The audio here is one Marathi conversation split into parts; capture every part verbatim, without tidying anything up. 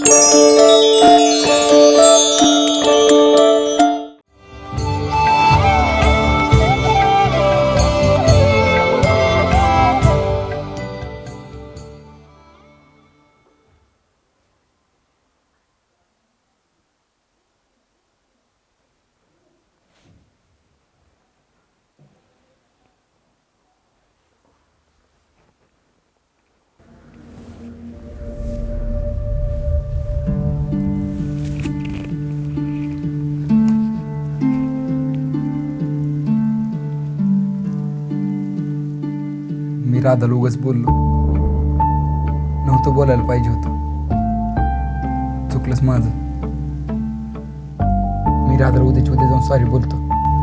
मी राधाला उगाच बोललो, नव्हतं बोलायला पाहिजे होतं. चुकलंच माझं. मी राधाला उद्याच्या उद्या जाऊन सॉरी बोलतो.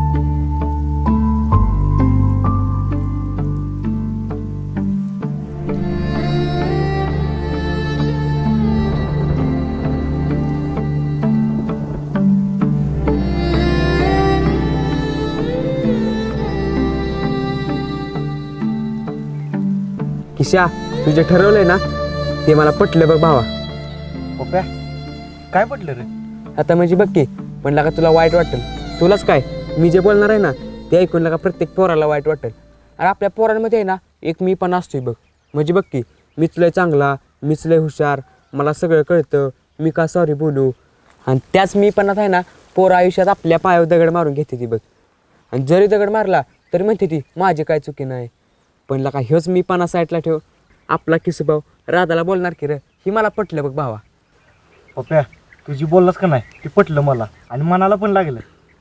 किशा, तुझे ठरवलंय ना ते मला पटलं बघ भावा. पप्या काय पटलं रे? आता म्हणजे बघ की, म्हणला का तुला वाईट वाटेल. तुलाच काय, मी जे बोलणार आहे ना ते ऐकून का प्रत्येक पोराला वाईट वाटेल. आणि आपल्या पोरांमध्ये आहे ना एक मी पण असतोय बघ. म्हणजे बघ की, मीच लय चांगला, मीच लय हुशार, मला सगळं कळतं, मी का सॉरी बोलू. आणि त्याच मी पण आहे ना पोरं आयुष्यात आपल्या पायावर दगड मारून घेते ती बघ. आणि जरी दगड मारला तरी म्हणते ती माझी काय चुकी नाही. पण लका ह्योच मी पाना साईडला ठेव, आपला किसूभाऊ राधाला बोलणार की रे, ही मला पटलं बघ भावा. पप्या तुझी बोललास का नाही ते पटलं मला आणि मनाला पण लागलं.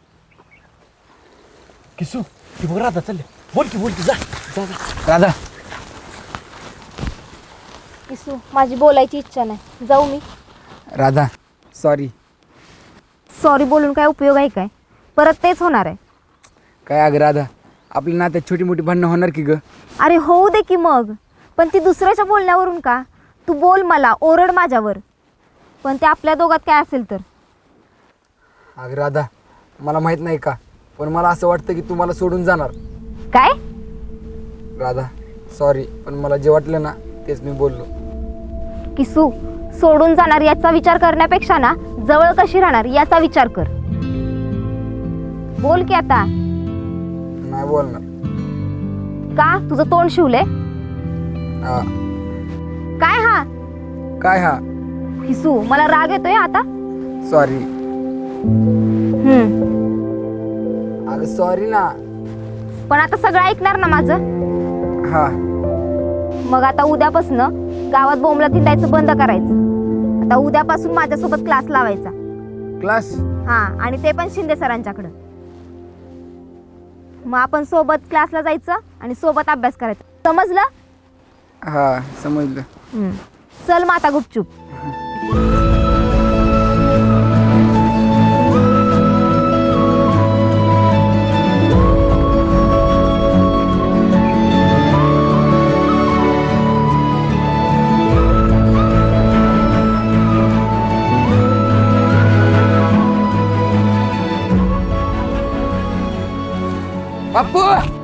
किसू ती बघ राधा चालले, बोल की बोल की जा जा जा. राधा, किसू, माझी बोलायची इच्छा नाही, जाऊ मी. राधा सॉरी. सॉरी बोलून काय उपयोग आहे काय? परत तेच होणार आहे. काय अगं राधा, आपल्या नात्यात छोटी मोठी भांडणं होणार की ग? अरे होऊ दे की मग, पण ती दुसऱ्याच्या बोलण्यावरून का? तू बोल मला, ओरड माझ्यावर, पण ते आपल्या दोघात काय असेल तर. अगं राधा, मला माहित नाही का, पण मला असं वाटतं की तू मला सोडून जाणार. काय? राधा सॉरी, पण मला जे वाटलं ना तेच मी बोललो. किसू, सोडून जाणार याचा विचार करण्यापेक्षा ना जवळ कशी राहणार याचा विचार कर. बोल की आता. नाही बोलणार. का? तुझं तोंड शिवलंय? हा. काय हा? काय हा? किसू, मला राग येतोय आता. सॉरी. हम्म. अगं सॉरी ना. पण आता सगळं ऐकणार ना माझं? हा. मग आता उद्यापासनं गावात बोंबला थिंडायचं बंद करायचं. आता उद्यापासून माझ्यासोबत क्लास लावायचा. क्लास? हा, आणि ते पण शिंदे सरांच्याकडं. मग आपण सोबत क्लासला जायचं आणि सोबत अभ्यास करायचा, समजलं? हा समजलं. हम्म. चल मग आता गुपचूप. बाप्पू,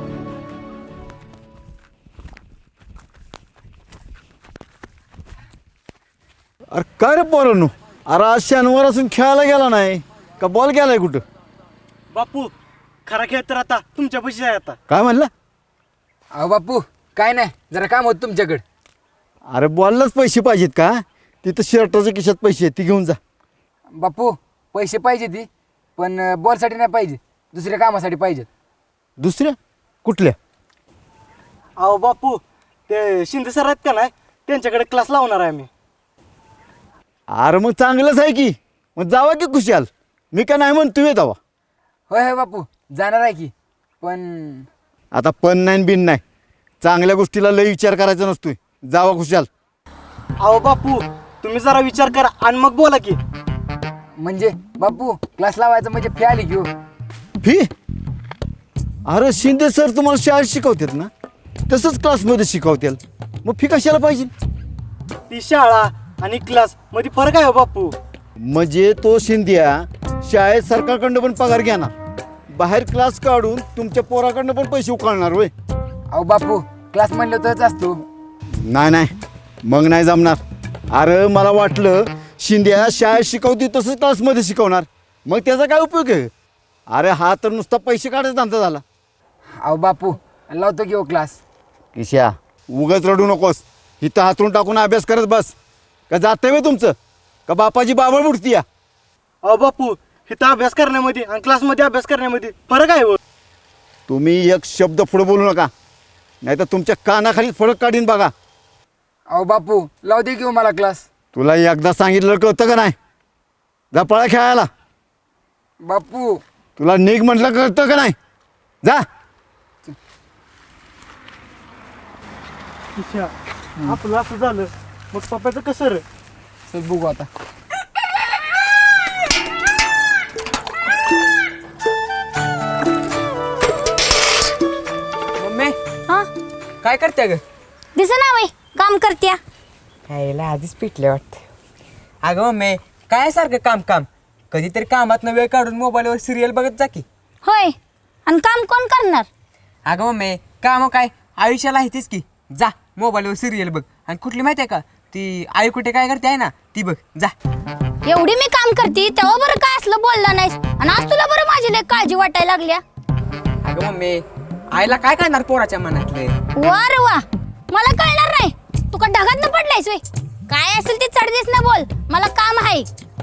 अरे काय रे पोरांनो, अरे आज शनिवार असून खेळायला गेला नाही का? बॉल गेलाय कुठं? बापू खरा खेळ तर आता तुमच्या पैसे आहे. आता काय म्हणला? अहो बाप्पू काय नाही, जरा काम होतं तुमच्याकडे. अरे बॉललाच पैसे पाहिजेत का? तिथं शर्टाच्या खिशात पैसे आहेत, ती घेऊन जा. बाप्पू पैसे पाहिजे ती, पण बॉलसाठी नाही पाहिजे, दुसऱ्या कामासाठी पाहिजेत. दुसऱ्या कुठल्या? अहो बापू ते शिंदे सर आहेत का नाही, त्यांच्याकडे क्लास लावणार आहे मी. अरे मग चांगलंच आहे की, मग जावा की खुशाल. मी काय नाही म्हणतो येत हवा. होय होय बापू जाणार आहे की, पण आता पण नाही बिन नाही, चांगल्या गोष्टीला लय विचार करायचा नसतोय. जावा खुशाल. अहो बापू तुम्ही जरा विचार करा आणि मग बोला की. म्हणजे बापू क्लास लावायचं म्हणजे फी आली की हो. फी? अरे शिंदे सर तुम्हाला शाळेत शिकवतात ना, तसंच क्लासमध्ये शिकवतील, मग फी कशाला पाहिजे? ती शाळा आणि क्लास मध्ये फरक आहे हो बापू. म्हणजे तो शिंद्या शाळेत सरकारकडनं पण पगार घेणार, बाहेर क्लास काढून तुमच्या पोराकडनं पण पैसे उकळणार होय? अहो बापू क्लास म्हणलं तरच असतो. नाही नाही, मग नाही जमणार. अरे मला वाटलं शिंद्या शाळेत शिकवते तसंच क्लासमध्ये शिकवणार, मग त्याचा काय उपयोग आहे? अरे हा तर नुसता पैसे काढायचा धंदा झाला. अहो बापू लावतो की हो क्लास. किशा उगाच रडू नकोस, इथं हातरून टाकून अभ्यास करत बस. का जातंय बे तुमचं, का बापाची बाबळ बुडती या? अहो बापू इथं अभ्यास करण्यामध्ये आणि क्लासमध्ये अभ्यास करण्यामध्ये फरक आहे हो. तुम्ही एक शब्द पुढे बोलू नका, नाही तर तुमच्या कानाखाली फरक काढीन बघा. अहो बापू लावू दे की हो मला क्लास. तुला एकदा सांगितलं कळतं का नाही? जा पळा खेळायला. बापू तुला निघ म्हटलं कळतं का नाही? जा. किशा आपलं असं झालं मग पप्पाचं कसं रे? चल बघू आता. मम्मी हा काय करते ग? दिस ना बाई काम करत्या. खायला आधीच पिटले वाटते. अगं मम्मी काय सारखं काम काम, कधीतरी कामातनं वेळ काढून मोबाईलवर सिरियल बघत जा की. होय आणि काम कोण करणार? अगं मम्मी काम काय आयुष्याला आहे तीच की. जा मोबाईलवर सिरियल बघ, आणि कुठली माहिती आहे का ती आई कुठे काय करते आहे ना ती बघ जा. एवढी मी काम करते तेव्हा बरं काय असलं बोलला नाहीस, आणि आज तुला बरं माझी लय काळजी वाटायला लागल्या. अगं मम्मी आईला काय करणार पोराच्या मनातले. वा रे वा, मला कळणार नाही. तू का ढगात न पडलायस वे? काय असेल ते चढदीस ना बोल, मला काम आहे.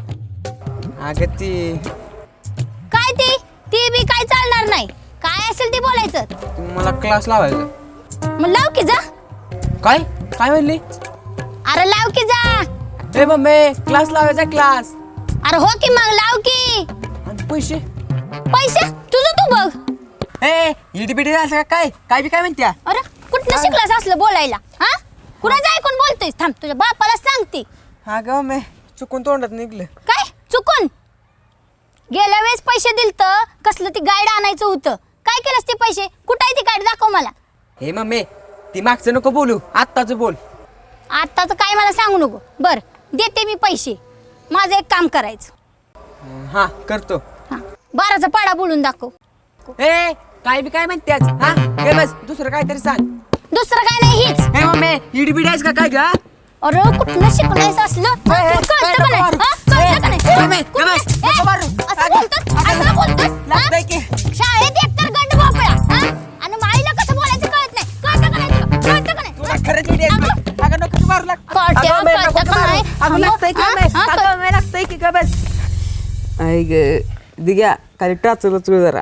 अगं ती काय ती ती बी काय चालणार नाही. काय असेल ते बोलायचं. मला क्लास लावायचा. मग लाव की जा. काय काय म्हणली? अरे लाव की जा. ए मम्मी क्लास लावायचा क्लास. अरे हो की मग लाव की. आणि पैसे पैसे तुझं तू बघ. ए इडी बिडी असं का काय काय बी काय म्हणत्या. अरे कुठनं शिकलास असलं बोलायला? हा कुणाचं ऐकून बोलतोयस? थांब तुझ्या बापाला सांगते. अगं मम्मी चुकून तोंडात निघलं. काय चुकून? गेल्या वेळेस पैसे दिलत कसलं ती गाईड आणायचं होतं. काय केलंस ते पैसे? कुठं आहे ती गाईड? दाखव मला. हे मम्मी ती मागचं नको बोलू, आत्ताच बोल. आत्ताचं काय मला सांगू नको. बर देते मी पैसे. माझं एक काम करायचं. हा करतो. हा बाराचा पाडा बोलून दाखव. ए काय बी काय म्हणतेस हा हे बस दुसरं काहीतरी सांग. दुसरं काय नाही हीच. हे मम्मी इडी बिडी आहेस का काय ग? अरे कुठनं शिकलायचं असलं? तुला कळतं का नाही? हा? कळतं का नाही? गमे, गमे, ए, नको मारू. असं बोलतोस? असं बोलतोस? लागतंय हा? की. शाळेत एकतर गंड भोपळा, हा? आणि माईला कसं बोलायचं कळत नाही. कळतं का नाही तुला? कळतं का नाही? तुला खरंच इडी आहेस बघ. अगं नको तू मारू लाग. कळतं, अगं, मम्मी, नको कळतं तू का मारू. नाही? अगं लागतंय की हा? मम्मी. हा, अगं मम्मी लागतंय की ग बस. आई ग दिग्या खाली टाचलं तू जरा.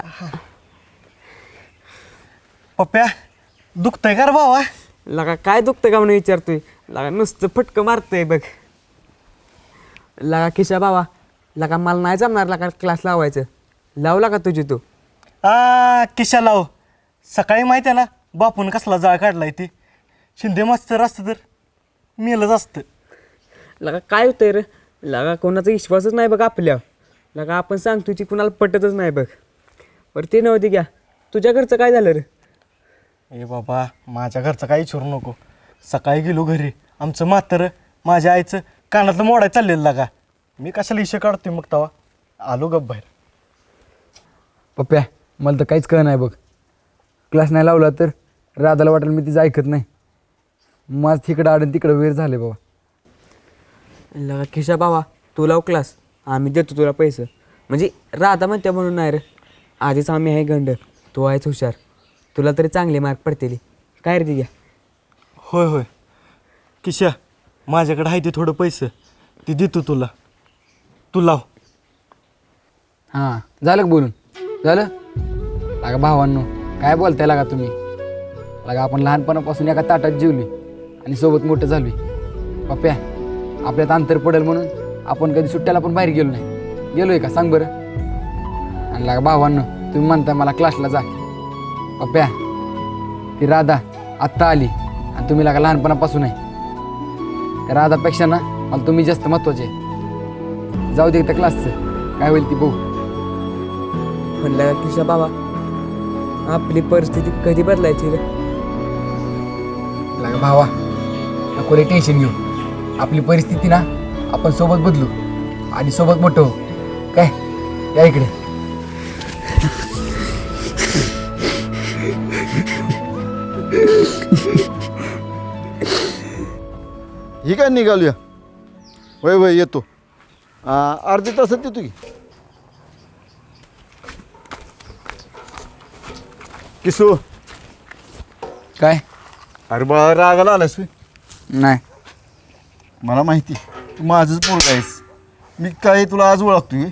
पप्प्या दुखतंय का रे भावा? लगा काय दुखतं का म्हणून विचारतोय. लगा नुसतं फटकं मारतंय बघ. लगा खिशा बाबा लगा मला नाही जमणार लगा क्लास लावायचं. लावला का तुझी तू? आ किशा लाव. सकाळी माहिती आहे ना बापून कसला जाळ काढलाय ती. शिंदे मास्तर असतं तर मेलंच असतं. लगा काय होतंय रे, लगा कोणाचा विश्वासच नाही बघ आपल्या. लगा आपण सांगतो की कुणाला पटतच नाही बघ. बरं ते नव्हती घ्या, तुझ्या घरचं काय झालं रे? ए बाबा माझ्या घरचं काही विचारू नको. सकाळी गेलो घरी, आमचं म्हातारं माझ्या आईचं कानातलं मोडाय चाललेलं लागा. मी कशाला इशे काढतोय मग तवा आलो गप बाहेर. पप्प्या मला तर काहीच कळ नाही बघ. क्लास नाही लावला तर राधाला वाटेल मी तिचं ऐकत नाही. माझं तिकडं आडून तिकडं वेळ झाले बाबा. लगा खिशा बाबा तू लाव क्लास, आम्ही देतो तुला पैसे. म्हणजे राधा म्हणते म्हणून नाही रे, आधीच आम्ही आहे गंड, तू आहेच हुशार, तुला तरी चांगले मार्क पडतील. काय रे घ्या. होय होय किशा माझ्याकडे आहे ते थोडं पैसे ते देतो तुला, तू लाव. हां झालं का बोलून? झालं लागा भावांनो काय बोलताय लागा तुम्ही. लागा आपण लहानपणापासून एका ताटात जेवली आणि सोबत मोठं झालोय. पप्प्या आपल्यात अंतर पडेल म्हणून आपण कधी सुट्ट्याला पण बाहेर गेलो नाही. गेलोय का सांग बरं? आणि लागा भावांनो तुम्ही म्हणताय मला क्लासला जा. पप्प्या ती राधा आत्ता आली आणि तुम्ही लागा लहानपणापासून आहे. त्या राधापेक्षा ना मला तुम्ही जास्त महत्त्वाचे आहे. जाऊ दे त्या क्लासचं काय होईल ती बघू. म्हणलं का खिशा बाबा आपली परिस्थिती कधी बदलायची रे? लागा भावा नको रे टेन्शन घेऊ. आपली परिस्थिती ना आपण सोबत बदलू आणि सोबत मोठं हो. काय या इकडे. ही काय निघालूया? वय वय येतो. आ, अर्ध्या तासात देतो की किसू. काय अरे बाळा रागाला आलास तू. नाही मला माहिती तू माझंच पोरगा आहेस. मी काय तुला आज ओळखतोय.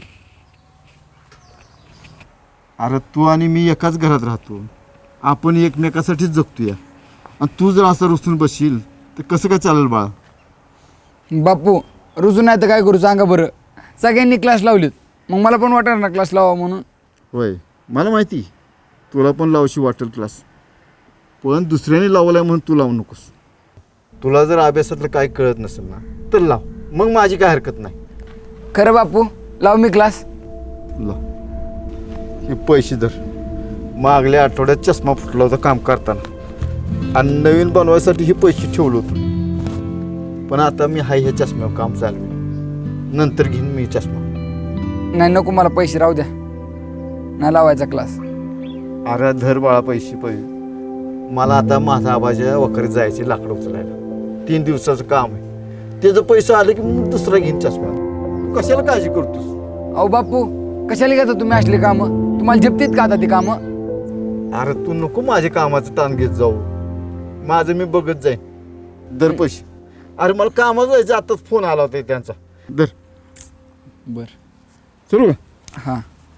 अरे तू आणि मी एकाच घरात राहतो. आपण एकमेकासाठीच जगतो या. आणि तू जर असं रुसून बसशील तर कसं काय चालेल बाळा. बापू रुजून नाही तर काय करू सांगा बरं. सगळ्यांनी क्लास लावलीत मग मला पण वाटणार ना क्लास लावा म्हणून. होय मला माहिती तुला पण लावशी वाटेल क्लास. पण दुसऱ्याने लावलाय म्हणून तू लावू नकोस. तुला जर अभ्यासातलं काय कळत नसेल ना तर लाव. मग माझी काय हरकत नाही. खरं बापू लाव मी क्लास. लाव. हे पैसे धर. मागल्या आठवड्यात चष्मा फुटला होता काम करताना आणि नवीन बनवायसाठी हे पैसे ठेवलं होतं. पण आता मी हाय ह्या चष्म्यावर काम चालू. नंतर घेईन मी चष्मा. नाही नको मला पैसे राहू द्या. नाही लावायचा क्लास. अरे धर बाळा पैसे पैसे. मला आता माझा आबाच्या वखरीत जायचे लाकडं उचलायला. तीन दिवसाचं काम आहे. त्याचं पैसे आले की मग दुसरा घेईन चष्मा. तू कशाला काळजी करतोस. अहो बापू कशाला घेता तुम्ही असले कामं. तुम्हाला झेपतीत का आता ती कामं. अरे तू नको माझ्या कामाचं ताण घेत जाऊ. माझं मी बघत जाईन. दर पैसे. अरे मला कामात जायचं आताच फोन आला होता त्यांचा. दर बर सुरू का. हां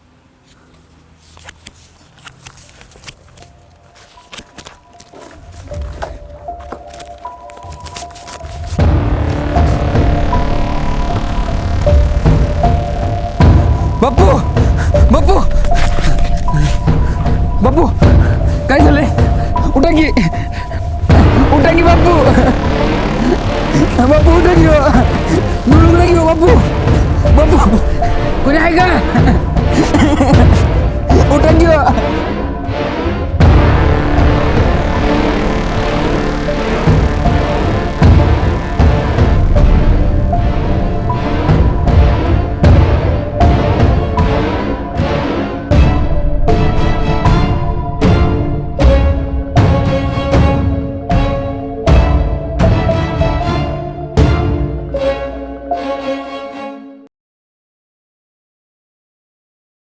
बापू बापू बापू काय झालंय. उठा की उठा की बापू. बापू उठा की मिळून उठा की बापू. बापू कोणी आहे का. उठा की